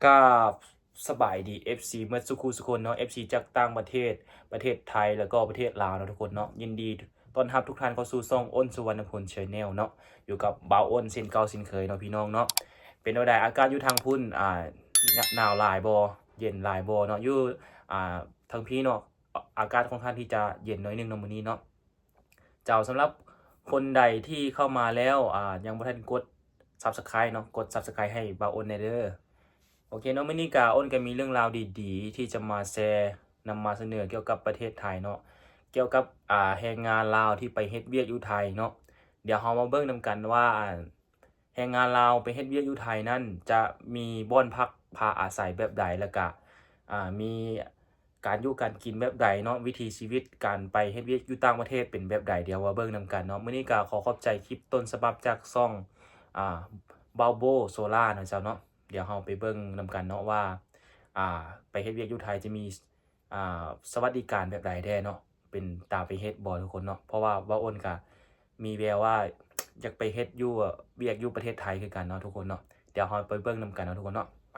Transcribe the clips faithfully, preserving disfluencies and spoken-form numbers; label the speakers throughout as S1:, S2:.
S1: ก็สบายดี เอฟ ซี เมื่อสุขุสุคนเนาะ เอฟ ซี จากต่างประเทศประเทศไทยแล้วก็ประเทศลาวเนาะทุกคนเนาะยินดีต้อนรับทุกท่านเข้าสู่ช่องอ้นสุวรรณพล Channel เนาะอยู่กับบ่าวอ้นเส้นเก่าเส้นเคยเนาะพี่น้องเนาะเป็นจั่งใดอากาศอยู่ทางพุ่นอ่าหนาวหลายบ่เย็นหลายบ่เนาะอยู่อ่าทางพี่เนาะอากาศค่อนข้างที่จะเย็นน้อยนึงเนาะมื้อนี้เนาะเจ้าสำหรับคนใดที่เข้ามาแล้วอ่ายังบ่ทันกด Subscribe เนาะกด Subscribe ให้บ่าวอ้นได้เด้อโอเคเนาะมื้อนี้ก็อ้นก็มีเรื่องราวดีๆที่จะมาแชร์นำมาเสนอเกี่ยวกับประเทศไทยเนาะเกี่ยวกับอ่าแรงงานลาวที่ไปเฮ็ดเวียกอยู่ไทยเนาะเดี๋ยวเรามาเบิ่งนำกันว่าแรงงานลาวไปเฮ็ดเวียกอยู่ไทยนั้นจะมีบ่อนพักพาอาศัยแบบใดแล้วก็อ่ามีการอยู่การกินแบบใดเนาะวิถีชีวิตการไปเฮ็ดเวียกอยู่ต่างประเทศเป็นแบบใดเดี๋ยวมาเบิ่งนำกันเนาะมื้อนี้ก็ขอขอบใจคลิปต้นฉบับจากช่องอ่า Balbo Solar นะเจ้าเนาะเดี๋ยวเราไปเบิ่งนำกันเนาะว่าอ่าไปเฮ็ดเวียกอยู่ไทยจะมีอ่าสวัสดิการแบบใดแท้เนาะเป็นตามไปเฮ็ดบ่ทุกคนเนาะเพราะว่าว่าอ้นก็มีแววว่าอยากไปเฮ็ดอยู่เวียกอยู่ประเทศไทยคือกันเนาะทุกคนเนาะเดี๋ยวเราไปเบิ่งนำกันเนาะทุกคนเนาะไป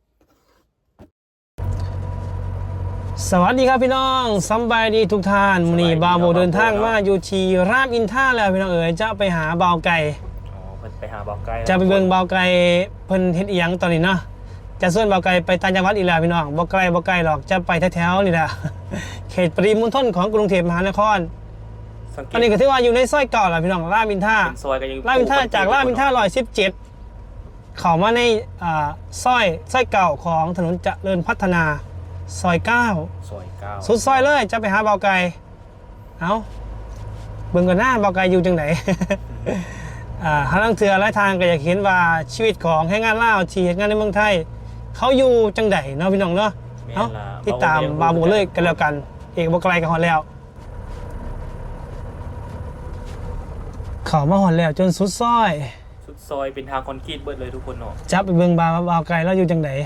S2: สวัสดีครับพี่น้องสบายดีทุกท่านมื้อนี้บ่าวโบเดินทางมาอยู่ที่รามอินทราแล้วพี่น้องเอ๋ยจะไปหาบ่าวไก่
S1: อ๋อเพิ่นไปหาบ่าวไก่
S2: จะไปเบิ่งบ่าวไก่เพิ่นเฮ็ดอีหยังตอนนี้เนาะจะส่วนบ่าวไก่ไปต่างจังหวัดอีกแล้วพี่น้องบ่ไกลบ่ไกลหรอกจะไปแถวๆนี่แหละเขตปริมณฑลของกรุงเทพมหานครตอนนี้ก็ถือว่าอยู่ในซอยเก่าแล้วพี่น้องรามอินทรา
S1: ซอยก็ยัง
S2: รามอินทราจากรามอินทราหนึ่งร้อยสิบเจ็ดเข้ามาในอ่าซอยซอยเก่าของถนนเจริญพัฒนาซอยเก้า
S1: ซอยเก้า
S2: สุดซอยเลยจะไปหาเบาไก่เอาเบิ่งกันหน้าเบาไก่อยู่จังไหน อ่าหาลังเถื่อหลายทางก็อยากเห็นว่าชีวิตของแรงงานลาวที่เฮ็ดงานในเมืองไทยเขาอยู่จังไดเนาะพี่น้องเนาะเอ้าติดตามบาบูเลยกันแล้วกันเอกบ่ไกลกันฮอดแล้วเข้ามาฮอดแล้วจนสุดซอย
S1: สุดซอยเป็นทางคอนกรีตเบิดเลยทุกคนเนาะ
S2: จับไปเบิ่งบาเบาไก่แล้วอยู่จังได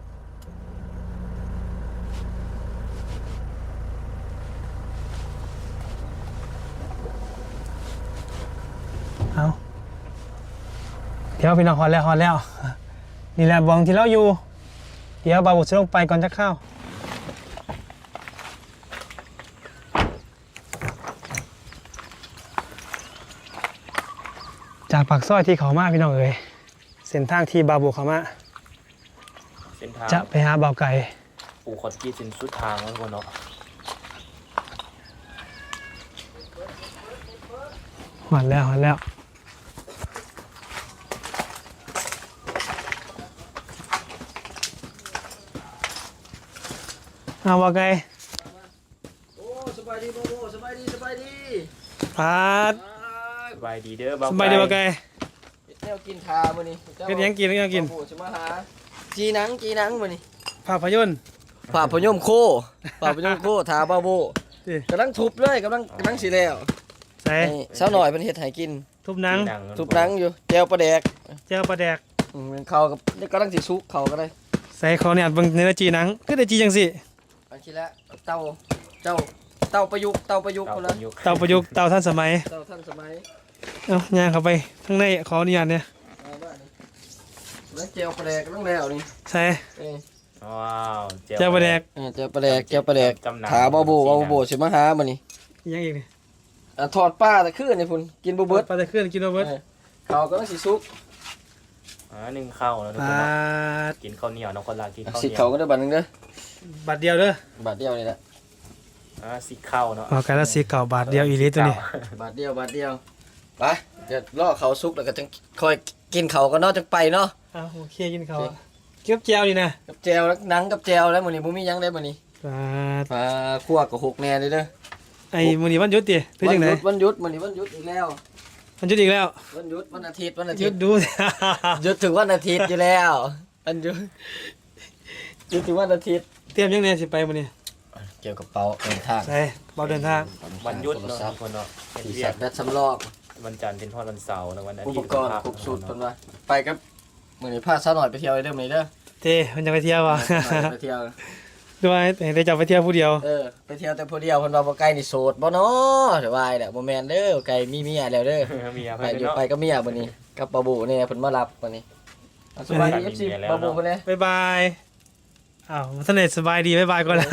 S2: เอาเดี๋ยวพี่น้องฮอดแล้วฮอดแล้วนี่แหละบองที่เราอยู่เดี๋ยวบาบุจะลงไปก่อนจะเข้าจากปากซอยที่เขามาพี่น้องเอ๋ยเส้นทางที่บาบุเขามา
S1: เส้นทาง
S2: จะไปหาเบาไก่
S1: ปูคอนกรีตเป็นสุดทางแล้วทุกคนเนาะ
S2: ฮอดแล้วฮอดแล้วเอาว่าไง
S3: โอ้สบายดีโบโบสบายดีสบายดี
S2: พาด
S1: สบายดีเด้อบ่าวไก่
S2: สบายดีว่าไง
S3: แนวกินทามื้อนี้
S2: เฮ็ดหยังกินเฮ็ดหยังกิน
S3: โอ้สิมาหาจีหนังจีหนังมื้อนี้
S2: ภาพยนตร์
S3: ภาพยนตร์โคภาพยนตร์โคทาบาโบกำลังทุบเลยกำลังกำลังสิแล้ว
S2: ใส่
S3: สาวหน่อยเพิ่นเฮ็ดให้กิน
S2: ทุบหนัง
S3: ทุบหนังอยู่แจ่วปลาแดก
S2: แจ่วปลาแดก
S3: อืมเข้ากับกำลังสิสุกเข้าก็ได้
S2: ใส่เขาเนี่ยเบิ่งเนื้อจีหนังคือได้จีจังซี่
S3: อันที่ละเตาเจ้าเตาประยุกต์เตาประยุกต์พุ่นละ
S2: เตาประยุกต์เตาทันสมัย
S3: เตาทันสมัย
S2: เอ้าย่างเข้าไปข้างในขออนุญาตเนี่ย
S3: เอาบ้านี่แล้วแจ่วปลาแดกกำลังแล้วนี่
S2: ใส่
S3: เอ้
S1: ว้าว
S2: แจ่วปลาแดก
S3: เออแจ่วปลาแดกแจ่วปลาแดกถาบาโบบาโบสิมาหามื้อนี้
S2: ยังอีกนี่
S3: อ่ะทอดปลาตะคืนนี่พุ่นกินบ่เบิด
S2: ปลาตะเคือนกินบ่เบิด
S3: เขาก็ต้องสิสุก
S1: อ่านึ่งข้าวแล้วทุกคนเนาะกินข้าวเหนียวน้องคนลากินข้าวเหนียว
S3: สิเขาก็ได้บัตรนึงเด้
S2: อบาทเดียวเด้
S3: อบาทเดียวนี่แหละ
S1: อ่าสิข้าวเนาะ
S2: เอากันละสิเก่าบาทเดียวอีหลีตัวนี้
S3: บาทเดียวบาทเดียวไปเดี๋ยวรอเขาสุกแล้วก็จังค่อยกินเขาก็นอกจังไปเนาะ
S2: อ้าวโอเคกินเขาเก็บแจวนี่นะ
S3: กับแจวแล้วหนังกับแจวแล้วมื้อนี้บ่มีหยังได้มื้อนี้
S2: บาท
S3: ปลาคั่วก็หกแน่เลยเด้อ
S2: ไอ้มื้อนี้วันหยุดติเป็นจังได๋
S3: วันหยุดมื้อนี้วันหยุดอีกแล้ว
S2: วันหยุดอีกแล้ว
S3: วันหยุดวันอาทิตย์วันอาทิ
S2: ต
S3: ย์
S2: หยุดดู
S3: หยุดถึงวันอาทิตย์อยู่แล้ววันหยุดหยุดถึงวันอาทิตย์
S2: เตรียมยังไงสิไปมื้อนี้
S3: เกี่ยวกับเป๋าเดินทาง
S2: ใช่เป๋าเดินทาง
S1: วันหยุดเนาะคนเนาะ
S3: ที่สัตว์และสำรอง
S1: วันจันทร์เป็นทอดวันเสาร์แล้ววันอาทิตย์
S3: อุปกรณ์ครบสูตรเพิ่นว่าไปกับมื้อนี้พาสาวหน่อยไปเที่ยวได้เด้อมื้อนี้เด้อ
S2: เต้เพิ่นจะไปเที่ยวว่ะ
S3: ไปเที่ยว
S2: ด้วยได้จะไปเที่ยวผู้เดียว
S3: เออไปเที่ยวแต่ผู้เดียวเพิ่นว่าบ่ไกลนี่โสดบ่เนาะสบายแหละบ่แม่นเด้อไกลมีเมียแล้วเด้อ
S1: เมีย
S3: ไปอยู่ไปกับเมียมื้อนี้กับปะบูเนี่ยเพิ่นมารับมื้อนี้เอาสบายดี เอฟ ซี บาบูไปเลย
S2: บ๊ายบายอ้าวท่านเน็ตสบายดีบ๊ายบายก่อนละ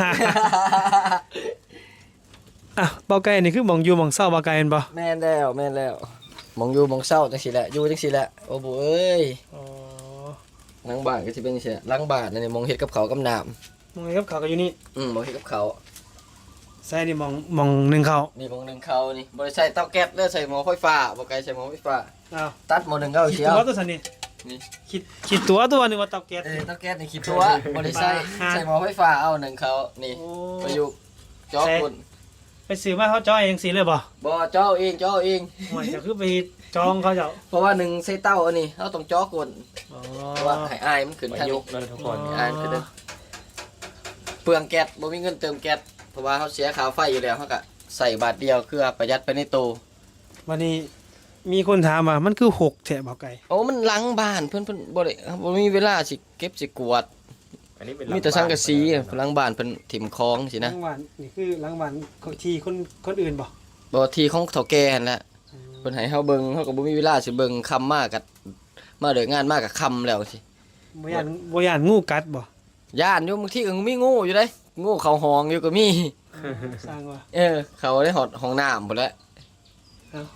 S2: อ่ะเบาไก่นี่คือหมองอยู่หมองเศร้าเบาไก่เป็นบ่
S3: แม่นแล้วแม่นแล้วมองอยู่มองเศร้าจังสิแหละอยู่จังสิแหละโอ้โหเอ้ย
S2: อ๋อ
S3: หลังบ้านก็สิเป็นจังซี่แหละหลังบ้านนั่นนี่มองเฮ็ดกับเขาวกับน้ำ
S2: มองไงครับเขาก็อยู่นี่
S3: อืมมองเฮ็ดกับเขาว
S2: ใส่นี่หมองหมองหนึ่งเขา
S3: นี่มองหนึงเขานี่บ่ได้ใช้เตาแก๊สเด้อใช้หม้อไฟฟ้าบ่ไกลใช้หม้อไฟฟ้า
S2: อ้าว
S3: ตัดหม้อหนึงก็เอา
S2: คิด
S3: เชียว
S2: ตัวตัวสันนี่
S3: นี่
S2: คิดคิดตัวตัวหนึงว่าเตาแก๊ส
S3: เออเตาแก๊สนี่คิดตัวบ่ได้ใช้ใช้หม้อไฟฟ้าเอาหนึ่งเขานี่
S2: โอ้
S3: ประยุกต์จ่อคน
S2: ไปซื้อมาเขาจ้อยเองสิเลยบ่
S3: บ่จ่อเองจ่อเอง
S2: ห่วยจะคือไปจองเขาเจ้า
S3: เพราะว่าหนึ่งใส่เต้าอันนี้เราต้องจ่อคน
S2: อ๋อ
S3: เพราะว่าให้อายมันขึ้น
S1: ประ
S3: ทาง
S1: ยุ
S3: นี้
S1: กต์เนาะทุกคน
S3: อายมันขึ้นเด้อเปลืองแก๊สบ่มีเงินเติมแก๊สเพราะว่าเขาเสียค่าไฟอยู่แล้วเขาก็ใส่บาทเดียวคือประหยัดไปในตู้
S2: วันนี้มีคนถามว่ามันคือหกแถบเบาไก่
S3: โอ้มันหลังบ้านเพิ่นเพิ่นบ่ได้บ่มีเวลาสิเก็บสิกวาด
S1: อันนี้เป็น
S3: มีแต่สังกะสีอะหลังบ้านเพิ่นถิ่มคลองสิ
S2: หลั
S3: นะ
S2: งวันนี่คือหลังวันที่คนคนอื่นบ่
S3: บ่ที่ของเฒ่าแก่นั่นแหละเพิ่นให้เฮาเบิ่งเฮาก็บ่มีเวลาสิเบิ่งคำมากกับมาเด้องานมากกับคำแล้วสิ
S2: บ่ยานบ่ยานงูกัดบ่
S3: ย่านอยู่บางทีก็มีงูอยู่เด้งูเข้าห้องอยู่ก็มี
S2: สร้างว่า
S3: เออ เขาได้หอดห้องน้ำพุ่นแหล้ว
S2: เอ้า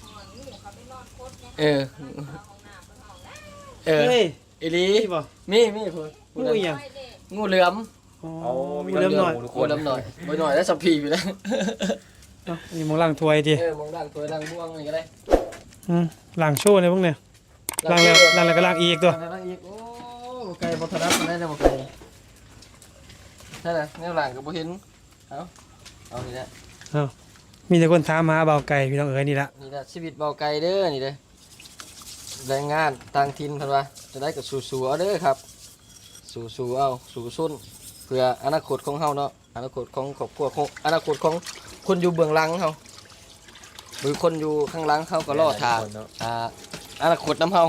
S3: เออเออ
S2: เฮ้ย
S3: อีหลี
S2: นี่บ่
S3: มีมีพุ่น
S2: งูอีหยัง
S3: งูเหลือม
S2: อ๋อ
S1: โอ้มี
S2: เริ่มหน่อย
S1: ทุกค
S3: งู
S1: น
S3: เหลือมหน่อยบ่หน่อยแล้วสับพีอยู่แล้ว
S2: เอ้านี่มองล้างถ้วยดิ
S3: เออมองด่างถวยด่างม่วงนี่ก็ได้
S2: อืมล้างโชว์เลยพวกเนี่ยล้างแล้วล้างแล้วก็ล้างอีกตัว
S3: ด่างแล้วอีกโอ้บ่ไกลบ่ถนัดปานใดนะบ่ไกลใช่ล่ะแนวหลังก็บ่เห็นเอาเอานี่แหละ
S2: มีแต่คนถามหาเบาไก่พี่น้องเอ๋ยนี่ละ
S3: นี่แหละชีวิตเบาไกลเด้อนี่เด้อแรงงานต่างถิ่นเพิ่นว่าจะได้ก็สู้ๆเอาเด้อครับสู้ๆเอาสู้สุนเพื่ออนาคตของเฮาเนาะอนาคตของครอบครัวของอนาคตของคนอยู่เบื้องหลังเฮาหรือคนอยู่ข้างหลังเฮาก็รอท่าอ่าอนาคตนำเฮา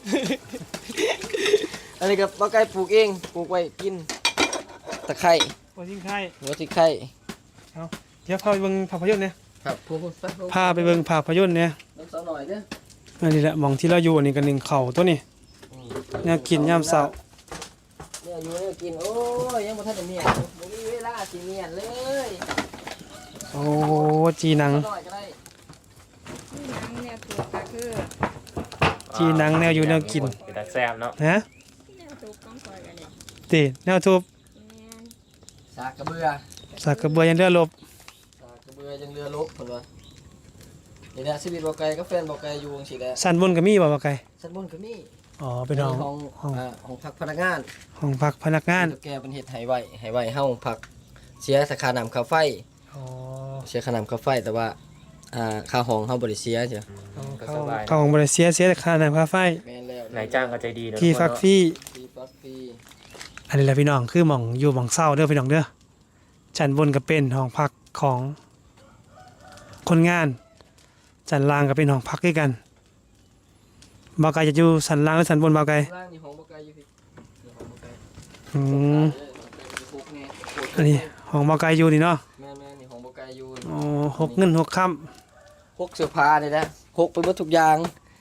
S3: อันนี้ก็เบาไก่ปลูกเองปลูกไว้กินตะไคร้
S2: บ่ทิ้งไข่
S3: หัวสิไข่
S2: เดี๋ยวพาไปเบิ่งภาพยนตร์เนี่ย
S3: ครับพูดๆไป
S2: พาไปเบิ่งภาพยนตร์เนี่ย
S3: น้ำสาวหน่อยเด้อ
S2: อันนี้แหละหมองที่เราอยู่อันนี้กันหนึ่งเข่าตัวนี้แนวกินยามเช้า
S3: เนี่ยอยู่เนี่ยกินโอ้ยยังบ่ทันได้เมียนบ่มีเวลาสิเมียนเลย
S2: โอ้จีหนัง
S3: หน่อยก็ได้
S4: ที่นังเนี่ยถูกก็คือ
S2: จีหนังแนวอยู่แนวกิน
S1: เป็นตาแซ่บเนาะ
S2: ฮะ
S4: แนวถูกต้องคอยกันเนี่ย
S2: ติแนวทุบ
S4: แม่น
S3: สากกระเบือ
S2: สักกระเบือยันเรือลบ
S3: สากกระเบือยังเรือลบเพิ่นว่านี่แหละชีวิตบ่ไกลกับแฟนบ่ไกลอยู่จังซี่แหละ
S2: สันบนก็มีบ่เบาไก่
S3: ชั้นบนก็มี
S2: อ๋อเป็นห้อง
S3: ของ
S2: ห้อง
S3: อ่าของพักพนักงาน
S2: ห้องพักพนักงาน
S3: แกเป็นเฮ็ดให้ไว้ให้ไว้เฮาพักเสียค่าน้ำค่าไฟ
S2: อ๋อ
S3: เสียค่าน้ำค่าไฟแต่ว่าอ่าค่าห้องเฮาบ่ได้เสียจ้ะ
S1: ก็
S2: เข้า
S1: สบาย
S2: เข้าของบริเซียเสียแต่ค่าน้ำค่าไฟ
S3: แม่นแล้ว
S1: นายจ้างก็ใจดีเนาะ
S2: ที่
S1: ทุกคน
S2: ฟัก
S1: เนาะ
S2: ฟรี
S3: ฟรีฟักฟรี
S2: อันนี้แหละพี่น้องคือหม่องอยู่หม่องเศร้าเด้อพี่น้องเด้อชั้นบนก็เป็นห้องพักของคนงานชั้นล่างก็เป็นห้องพักด้วยกันเบาไก่จะอยู่ชั้นล่างหรือชั้นบนเบาไก่
S3: ล่างนี่ห้องบ่ไกลอยู่พี่นี่ห้องบ่ไกล
S2: อืม
S3: เออห้องไกลอยู่คุกแน่
S2: อันนี้ห้องเบาไก่อยู่นี่เนาะ
S3: แม่นๆนี่ห้องบ่ไกลอยู่
S2: อ๋อหกเงินหกค่
S3: พกเสื้อผ้านี่นะพกไปหมดทุกอย่าง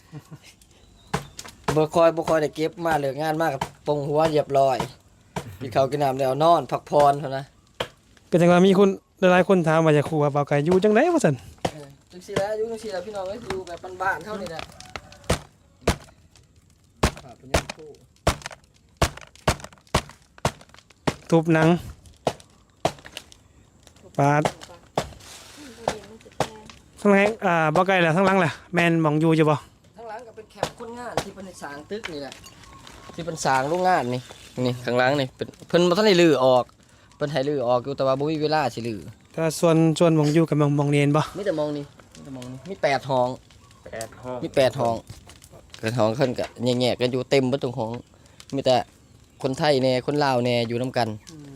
S3: บ่คอยบ่คอยได้เก็บมาเลิกงานมากปงหัวเรียบร้อยกินข้าวกินน้ำแล้วนอนพักผ่อนเท่านั้น
S2: ำเป็นจังว่ามีคนหลายๆคนถามว่าอยากคู่ว่าเบาไก่อยู่จังไดวะซั่น
S3: เออจังซี่แหละอยู่จังซี่แหละพี่น้องเอ้ยอยู่แบบบ้านๆเท่านี้แหละฝากเป็นยังคู่
S2: ทุบหนังปาด
S4: ถูกปะมันบ่ดีมันจะแพง
S2: ทั้งหลังอ่าเบาไก่แหละทั้งหลังแหละแม่นหม่องอยู่อยู่บ่
S3: ข้างหลังก็เป็นแคมป์คนงานที่เพิ่นสร้างตึกนี่แหละที่เพิ่นสร้างโรงงานนี่นี่ข้างหลังนี่เป็นเพิ่นบ่ทันได้รื้อออกเพิ่นให้รื้อออกอยู่แต่ว่าบ่มีเวลาสิรื้อ
S2: แต่ส่วนส่วนหม่องอยู่กับหม่องหม่องเนียนบ่
S3: มีแต่มองนี่มีแต่มองนี่มีแปดห้อง
S1: แปดห้อง
S3: มีแปดห้องเกิดห้องขึ้นก็แง่ๆกันอยู่เต็มเบ่ตรงห้องมีแต่คนไทยแน่คนลาวแน่อยู่นํกัน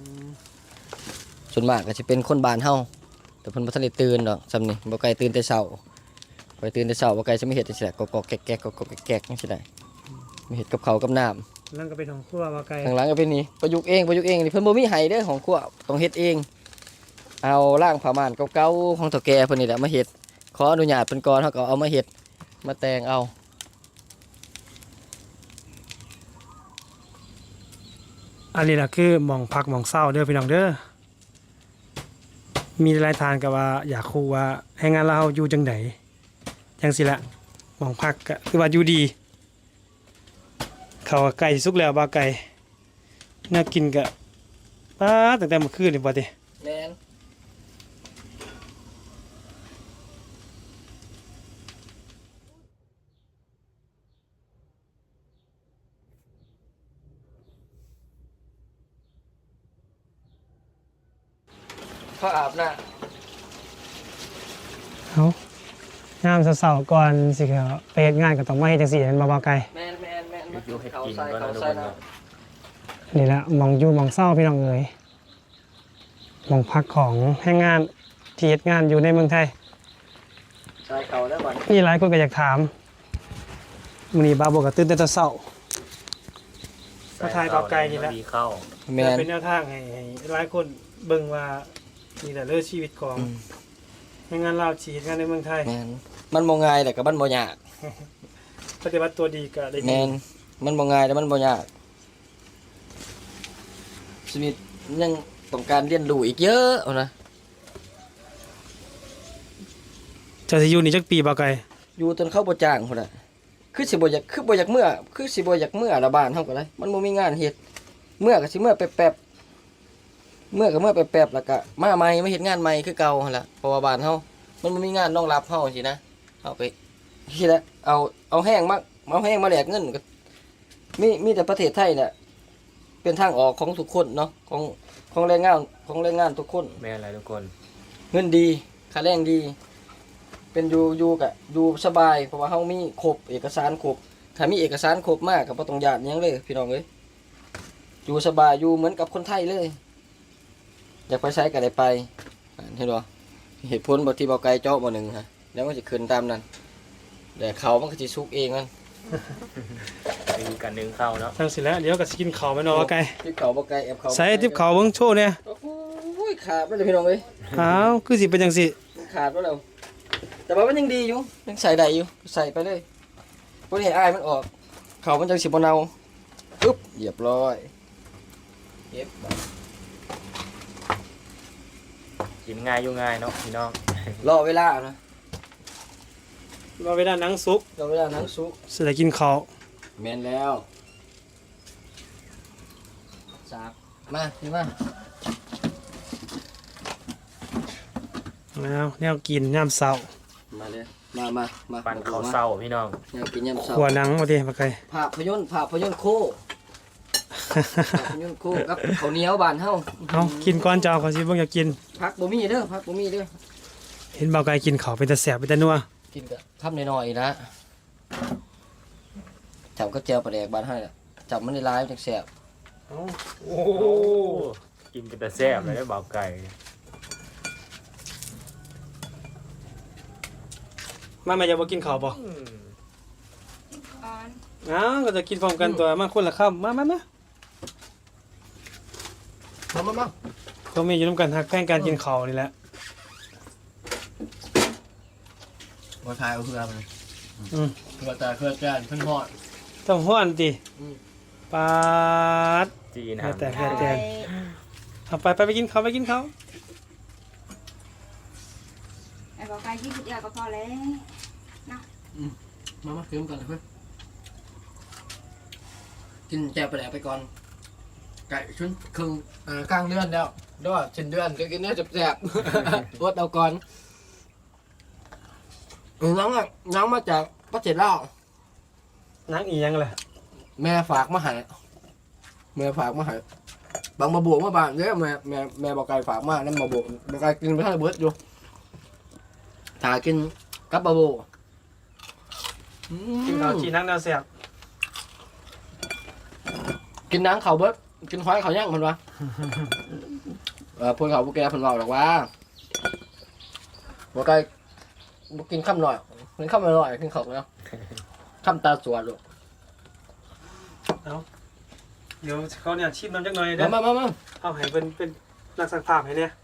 S3: ส่วนมากก็สิเป็นคนบ้านเฮาแต่เพิ่นบ่ทันได้ตื่นดอกซำนี่บ่ไกลตื่นแต่เช้าไปตื่นแต่เช้าบ่ไกลสิมาเฮ็ดจังซี่แหละกอกๆแก๊กๆกอกๆแก๊กๆจังซี่ได้มีเฮ็ดกับข้าวกับน้ำ
S2: นั่นก็เป็นของครัวเบาไก่
S3: ข้างหลังก็เป็นนี่ประยุกต์เองประยุกต์เองนี่เพิ่นบ่มีไห้เด้อของครัวต้องเฮ็ดเอง เอาร่างผ้าม่านเก่าๆของเฒ่าแก่เพิ่นนี่แหละมาเฮ็ดขออนุญาตเพิ่นก่อนเฮาก็เอามาเฮ็ดมาแต่งเอา
S2: อันนี้ล่ะคือหม่องพักหม่องเศร้าเด้อพี่น้องเด้อมีหลายทานก็ว่าอยากคูว่าให้งานเราอยู่จังไดจังสิละหม่องพักก็คือว่าอยู่ดีเขาวก็ไก่สุกแล้วบ่าไก่น่ากินก็ป้าตั้งแต่เมื่อคืนนี่บ่ติ
S3: แม่นเขาอาบน้
S2: เอายามเช้าๆก่อนสิเขาไปเฮ็ดงานก็ต้องมาเฮ็ดจังซี่แม่นบ่บ่าวไก่
S3: ำแม่นแม่นแม่น
S1: อยู่ให้
S3: เขา
S1: กิน
S3: ใส่
S1: ก่อน
S3: เขา
S1: นะทุก
S3: ใส่
S1: คน
S3: นะ
S1: เนาะ
S2: นี่ละหม่องอยู่หม่องเศร้าพี่น้องเอ๋ยหม่องพักของแรงงานที่เฮ็ดงานอยู่ในเมืองไทย
S3: ใส่เขาแล้วบัด
S2: มีหลายคนก็อยากถามมื้อนี้บ่าวบอกก็ตื่นแต่เช้า ก็ทายเบาไกลนี่แหละ
S1: ดีเข้า
S3: แม่น
S2: เป็นแนวทางให้ให้หลายคนเบิ่งว่านี่แหละเรื่องชีวิตของ
S3: อืม
S2: แรงงานลาวที่เฮ็ดงานในเมืองไทย
S3: แม่นมันบ่ง่ายแต่ก็มันบ่ยาก
S2: ปฏิบัติตัวดีก็ได้ดี
S3: แม่นมันบ่ง่ายแต่มันบ่ยากชีวิตยังต้องการเรียนรู้อีกเยอะเอานะ
S2: เจ้าสิอยู่นี่จักปีบ่ไกล
S3: อยู่จนเข้าบ่จ้างพุ่นน่ะคือสิบ่อยากคือบ่อยากเมื่อคือสิบ่อยากเมื่อละบ้านเฮาก็เลยมันบ่มีงานเฮ็ดเมื่อก็สิเมื่อแป๊บๆเมื่อก็เมื่อแป๊บๆแล้วก็มาใหม่มาเฮ็ดงานใหม่คือเก่าหั่นล่ะเพราะว่าบ้านเฮามันบ่มีงานรองรับเฮาสินะเฮาไปสิแหละเอาเอาแห้งมาเอาแห้งมาแลกเงินก็มีมีแต่ประเทศไทยน่ะเป็นทางออกของทุกคนเนาะของของแรงงานของแรงงานทุกคน
S1: แม่อะไรทุกคน
S3: เงินดีค่าแรงดี เป็นอยู่อยู่กะอยู่สบายเพราะว่าเฮามีครบเอกสารครบถ้ามีเอกสารครบมากก็บ่ต้องญาติหยังเลยพี่น้องเอ้ยอยู่สบายอยู่เหมือนกับคนไทยเลย อยากไปใช้ก็ได้ไปอ่าเห็นบ่เหตุผลบ่ที่เบาไกลเจาะบ่หนึ่งฮะแล้วมันสิขึ้นตามนั้นแต่เขามันก็สิสุกเองมัน
S1: มีการนึ่งเข้าเนาะ
S2: จังสิแล้วเดี๋ยวก็สิกินข้าวแม่นบ่ไกล
S3: ทิปเขาบ่ไกลแอบเขา
S2: ใส่ทิปข้าวเบิ่งโชว์เนี่ย
S3: โอ้โหขาดไปเลยพี่น้องเอ้ย
S2: อ้าวคือสิเป็นจังซี่
S3: ขาดไปแล้วแต่ว่ามันยังดีอยู่ยังใส่ได้อยู่ใส่ไปเลยบ่ได้ให้อายมันออกเขามันจังสิบ่เน่าปึ๊บเรียบร้อยเก็บ
S1: กินง่ายอยู่ง่ายเนาะพี่น้อง
S3: รอเวลานะ
S2: รอเวลาหนังสุก
S3: รอเวลาหนังสุก
S2: สิได้กินข้าว
S3: แม่นแล้วสากมาพี่มา
S2: แล้วแนวกินยามเช้า
S3: มาเลยมามามา
S1: ปั่นข้าวเศร้าพี่น้อง
S3: อยากกินยำเช้า
S2: ขัวหนังบ่ติบ่ไกล
S3: ภาพยนตร์ภาพยนตร์โคภาพยนตร์โคกับข้าวเหนียวบ้านเฮา
S2: เอากินก่อนเจ้าเขาสิเบิ่งอยากกิน
S3: ผักบ่มีเด้อผักบ่มีเด้อ
S2: เห็นบ่ไกลกินข้าวเป็นตาแซ่บเป็นตานัว
S3: กินกับคำน้อยๆนะจับก็เจียวปลาแดกบ้านเฮาน่ะจับมันได้หลายจังแซ่บ
S2: โอ้
S1: โอ้กินเป็นแต่แซ่บเลยได้เบาไก่
S2: มาแม่จะบ่กินข้าวบ่
S1: อืม
S4: อ่อน
S2: อ้าวก็จะกินพร้อมกันตัวมาคนละคำมามามา
S3: มามามา
S2: ก็มีอยู่นำกันฮักแพงการกินข้าวนี่แหละ
S3: บ่ทายเอาเพื่อมัน
S2: อืม
S3: เพื่อตาเพื่อจานเพิ่นฮอด
S2: ต้องฮ้อนติ
S3: อืม
S2: ปาด
S1: จีน
S2: แต่
S1: ฮะ
S2: แต่ เอาไปไปไปกินข้าวไปกินข้าว
S4: ไอ้บอกไปที่สุดเดียวก็พอแล้ว
S3: มามาเติมกันเลยเพื่อนกินแจวปลาแดกไปก่อนไก่ชุนครึ่งอ่ากลางเดือนแล้วด้วยชิ้นเดือนก็กินเนื้อแซ่บๆ อดเอาก่อนน้องอ่ะน้องมาจากประเทศลาว
S2: นังอีหยังล่ะ
S3: แม่ฝากมาให้แม่ฝากมาให้บางมาบวกมาบางเด้อแม่แม่แม่บอกไก่ฝากมานั่นมาบวกบอกไก่กินไปให้เบิดอยู่ถ้ากินกับบะโบอืม
S2: กินข้าวจีนังแนวแซ่บ
S3: กินน้ำเขาเบิดกินควายเขาย่างมันวะ เออพวกเขาพวกแกเพิ่นบอกหรอกว่าบอกไก่บ่กินข้ามหน่อยกินข้ามอร่อยกินเขาแล้วข้ามตาสวนลูก
S2: เดี๋ยวเขาเนี่ยชิมน้ำจักหน่อยเด้อ
S3: มามามา
S2: เอาให้เป็นเป็นนักสักภาพให้เนี่ย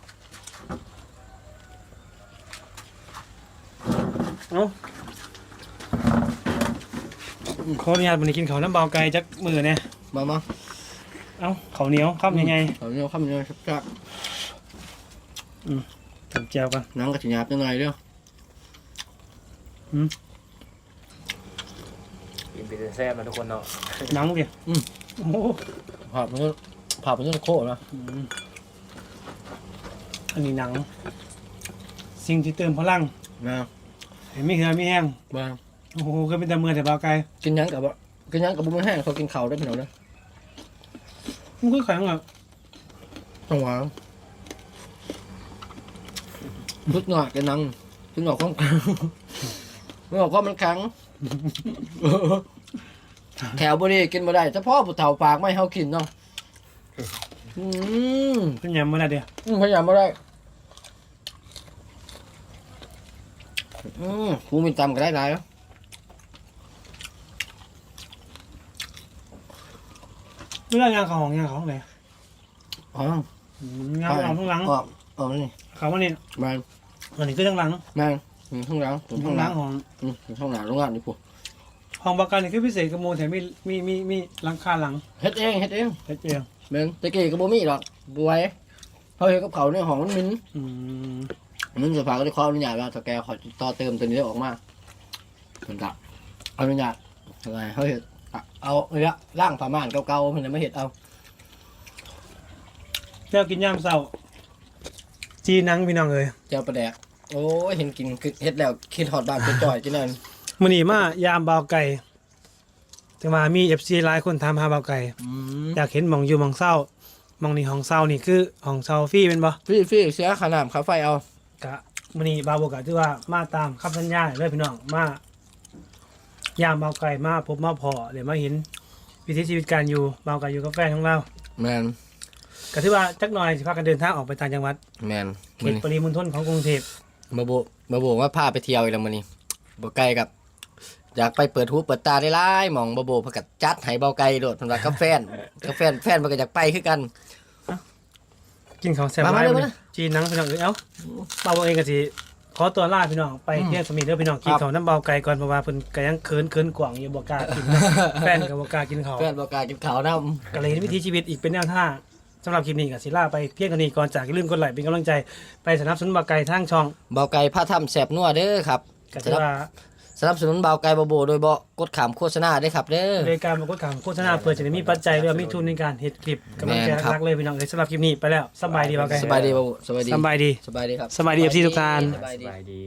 S2: เอาขออนุญาตวันนี้กินข้าวน้ำเบาไก่จักมือเนี่ย
S3: มามา
S2: เอ้าข้าวเหนียวครับยังไง
S3: เอาเนี่ยข้ามเนี่ยชัก
S2: ทำแจวกัน
S3: ๆหนังกระถิ่นหยาบจังไงเด้อ
S1: กินเป็นแซ่บนะทุกคนเนาะ
S2: หนังดิโอ้โห
S3: ผับมันก็ผับมันก็โคตรนะ
S2: อืมอันนี้หนัง สิ่งที่เติมพลัง
S3: นะ
S2: เห็นไม่เหือไม่แห้ง
S3: บ้า
S2: โอ้โหก็เป็นแต่มือแต่เบาไกล
S3: กินหยังกับว่ากินหยังกับบุ้งแห้งเขากินข้าวได้พี่น้องเด้อ
S2: มันก็แข็งอ่ะ
S3: ต้องหวานพุดหงอกกันนังพุดหงอกข้องพุดหงอกข้อมันแข็งแถวบุรีกินมาได้เฉพาะผู้เฒ่าปากไม่ให้เขากินเนาะอืม
S2: เป็นยำมันอะไรเดียว
S3: อืมพยายามมาได้อืมครูมีตำก็ได้หลายแล้ว
S2: เวลางานเขาของงานเขาของไหน
S3: อ๋อง
S2: านเอาข้างหลัง
S3: อ๋ออ๋อนี่
S2: เขาวันนี้
S3: แมน
S2: วันนี้คือข้างหลัง
S3: แมนอืมข้างหลังอืมข้า
S2: ข้าง ง
S3: ห
S2: ห
S3: ลั
S2: ลั
S3: ง
S2: งของ
S3: อืมข้างหลังโรงงานนี่พวก
S2: ห้องประกันนี่คือพิเศษกับโมแถมมีมีมีมีหลังคาหลัง
S3: เฮ็ดเองเฮ็ดเอง
S2: เฮ็ดเอง
S3: แมนตะกี้ก็บ่มีหรอกบวยเขาเฮ็ดกับเขาในห้องมันมิน
S2: อืม
S3: มันจะพาก็ได้ขออนุญาตว่าถ้าแกขอต่อเติมตัวนี้ได้ออกมาเหมือนกับอนุญาตอะไรเขาเฮ็ดอะเอาเนี่ยร่างผ้าม่านเก่าๆเพิ่นน่ะมาเฮ็ดเอา
S2: เจ้ากินย่ามเศร้า จีนังพี่น้องเอ้ย
S3: เจ้าประแดกโอ้ยเห็นกินคือเฮ็ดแล้วคิดฮอดบ้านเป็นจ่อยจังนั้น
S2: มื้อนี้มายามเบาไก่แต่ว่ามี เอฟ ซี หลายคนถามหาเบาไก่
S3: อืม
S2: อยากเห็นหม่องอยู่หม่องเศร้าหม่องนี่ห้องเศร้านี่คือห้องเศร้าฟรีเป็นบ่
S3: ฟี่ฟี่เสียค่าน้ำค่าไฟเอา
S2: กะมื้อนี้บาวบอกกะถือว่ามาตามคำสัญญาเลยพี่น้องมายามเบาไก่มาพบมาพอเดี๋ยวมาเห็นวิถีชีวิตการอยู่เบาไก่อยู่กับแฟนของเรา
S3: แมน
S2: ก็ถือว่าจักหน่อยสิพากันเดินทางออกไปต่างจังหวัด
S3: แมน
S2: เขตปริมณฑลของกรุงเทพ
S3: มาโบมาโบว่าพาไปเที่ยวอีกแล้วมื้อนี้บ่ไกลกับ อยากไปเปิดหูเปิดตาได้หลายหม่องบ่โบเพิ่นก็จัดให้เบาไกลโดดเพิ่นว่ากับแฟนกับแฟนแฟนมันก็อยากไปคือกัน
S2: กินของแซ่บ
S3: มา
S2: หลาย
S3: มาเลย
S2: มื้อ
S3: มา
S2: นี้จีนหนังพี่น้องเอ้ยเอ้าบาวบอกเองก็สิขอตัวลาพี่น้องไปเที่ยวสมิธเด้อพี่น้องกิน
S3: ครับ
S2: ของน้ำเบาไก่ก่อนเพราะว่าเพิ่นก็ยังเคินเคินกว่างอยู่บ่กล้ากินนะ แฟนก็บ่กล้ากินข้าว
S3: แฟนบ่กล้ากินข้าวนำ
S2: ก็เลยเห็นวิถีชีวิตอีกเป็นแนวทางสำหรับคลิปนี้ก็สิลาไปเพียงเท่านี้ก่อนจากอย่าลืมกดไลค์เป็นกำลังใจไปสนับสนุนเบาไก่ทางช่อง
S3: เบาไก่พาทำแซ่บนัวเด้อครับ
S2: ก็ถือว่า
S3: สนับสนุนเบาไก่บ่โบโดยบ่กดขามโฆษณาได้อครับเด้อ
S2: รายการมากดข่าวโฆษณาเพื่อจะได้มีปัจจัยหรือว่ามีทุนในการเฮ็ดคลิปกำลังใจ
S3: แม่นครับ
S2: รักเลยพี่น้องเลยสำหรับคลิปนี้ไปแล้วสบายดีเบาไก่
S3: สบายดีบ่โบสบายดี
S2: สบายดี
S3: สบายดีครับ
S2: สบายดี เอฟ ซี ทุกท่าน
S3: สบาย
S1: ส
S3: ดี
S1: บายดี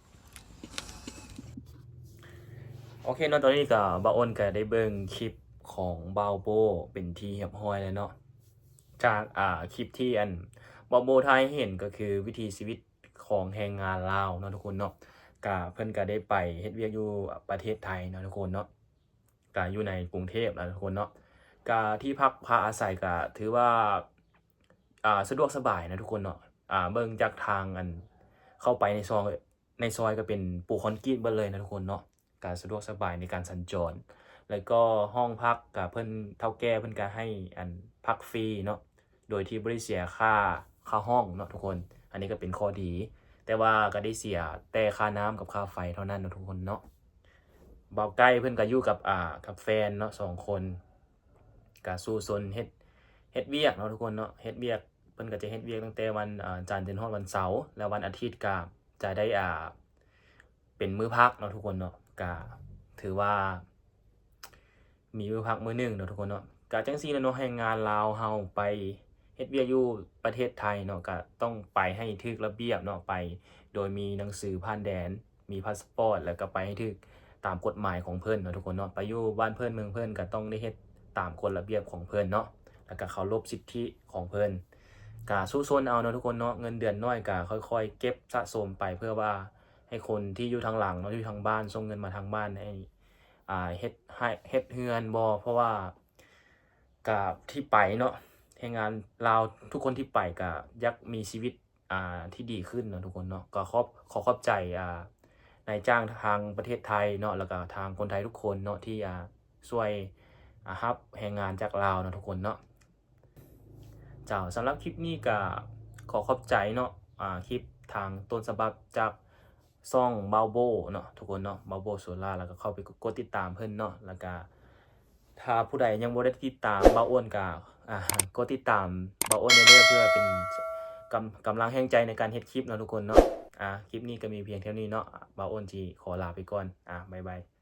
S1: โอเคเนาะตอนนี้ก็บาอ้นก็ได้เบิ่งคลิปของบาวโบเป็นที่เรียบร้อยแล้วเนาะจากอ่าคลิปที่อันบาวโบทายให้เห็นก็คือวิถีชีวิตของแรงงานลาวเนาะทุกคนเนาะก็เพิ่นก็ได้ไปเฮ็ดเวียกอยู่ประเทศไทยเนาะทุกคนเนาะก็อยู่ในกรุงเทพนะทุกคนเนาะก็ที่พักพาอาศัยก็ถือว่าอ่าสะดวกสบายนะทุกคนเนาะอ่าเบิ่งจากทางอันเข้าไปในซอยในซอยก็เป็นปูคอนกรีตเบิดเลยนะทุกคนเนาะการสะดวกสบายในการสัญจร แล้วก็ห้องพักกับเพิ่นเท่าแก่เพิ่นก็ให้อันพักฟรีเนาะโดยที่บ่ได้เสียค่าค่าห้องเนาะทุกคนอันนี้ก็เป็นข้อดี แต่ว่าก็ได้เสียแต่ค่าน้ำกับค่าไฟเท่านั้นเนาะทุกคนเนาะเบาใกล้เพิ่นก็อยู่กับอ่ากับแฟนเนาะสองคนก็สู้ซนเฮ็ดเฮ็ดเวียกเนาะทุกคนเนาะเฮ็ดเวียกเพิ่นก็จะเฮ็ดเวียกตั้งแต่วันอ่าจันทร์จนฮอดวันเสาร์แล้ววันอาทิตย์ก็จะได้อ่าเป็นมื้อพักเนาะทุกคนเนาะก็ถือว่ามีมื้อพักมื้อหนึงเนาะทุกคนเนาะก็จังซี่เนาะแรงงานลาวเฮาไปเฮ็ดเวียกอยู่ประเทศไทยเนาะก็ต้องไปให้ถูกระเบียบเนาะไปโดยมีหนังสือผ่านแดนมีพาสปอร์ตแล้วก็ไปให้ถูกตามกฎหมายของเพิ่นเนาะทุกคนเนาะไปอยู่บ้านเพิ่นเมืองเพิ่นก็ต้องได้เฮ็ดตามกฎระเบียบของเพิ่นเนาะแล้วก็เคารพสิทธิของเพิ่นก็สู้ซนเอาเนาะทุกคนเนาะเงินเดือนน้อยก็ค่อยๆเก็บสะสมไปเพื่อว่าให้คนที่อยู่ทางหลังเนาะที่อยู่ทางบ้านส่งเงินมาทางบ้านให้อ่าเฮ็ดให้เฮ็ดเฮือนบ่เพราะว่ากับที่ไปเนาะแรงงานลาวทุกคนที่ไปก็อยากมีชีวิตอ่าที่ดีขึ้นเนาะทุกคนเนาะก็ขอบขอขอบใจอ่านายจ้างทางประเทศไทยเนาะแล้วก็ทางคนไทยทุกคนเนาะที่อ่าช่วยอ่ารับแรงงานจากลาวเนาะทุกคนเนาะเจ้าสำหรับคลิปนี้ก็ขอขอบใจเนาะอ่าคลิปทางต้นฉบับจากซ่องบาวโบเนาะทุกคนเนาะบาวโบโซล่าแล้วก็เข้าไปกดติดตามเพิ่นเนาะแล้วก็ถ้าผู้ใดยังบ่ได้ติดตามบาวอ้วนก็อ่ากดติดตามบ่าวอ้นเด้อเพื่อเป็นกำกำลังแห่งใจในการเฮ็ดคลิปเนาะทุกคนเนาะอ่าคลิปนี้ก็มีเพียงเท่านี้เนาะบ่าวอ้นสิขอลาไปก่อนอ่าบ๊ายบาย